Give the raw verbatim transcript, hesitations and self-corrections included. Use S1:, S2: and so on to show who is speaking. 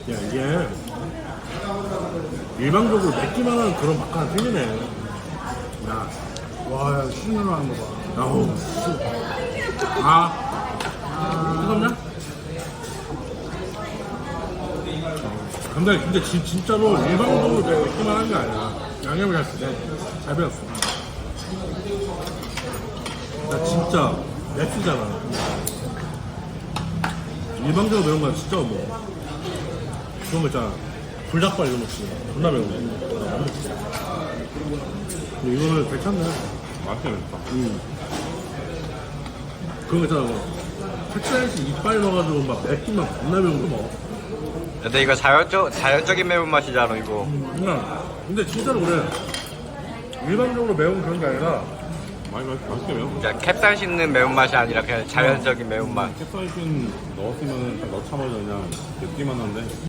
S1: 야, 이게 일반적으로 맵기만 하는 그런 맛 하나 틀리네. 야,
S2: 와, 야, 신으로 하는 거 봐.
S1: 아우, 씨. 아, 뜨겁냐? 근데, 근데 진, 진짜로 일반적으로 맵기만 하는 게 아니야. 양념을 잘 쓰네. 잘 배웠어. 나 진짜 맵시잖아. 일반적으로 매운 건 진짜 뭐 그런 거 있잖아. 불닭발 이런 거 있지. 존나 매운 거. 근데 이거는 괜찮네.
S3: 맛있게 맵다.
S1: 음. 그런 거 있잖아. 뭐 텍사이스 이빨 넣어가지고 막 맵기만 겁나 매운 거 먹어.
S4: 근데 이거 자연적, 자연적인 매운맛이잖아 이거.
S1: 그냥 근데 진짜로 그래. 일반적으로 매운 그런 게 아니라
S3: 많이 맛, 맛있게 매워.
S4: 그냥 캡사이 씹는 매운맛이 아니라 그냥 자연적인 매운맛.
S3: 캡사이신 넣었으면 딱 넣자마자 그냥 맵기만 한데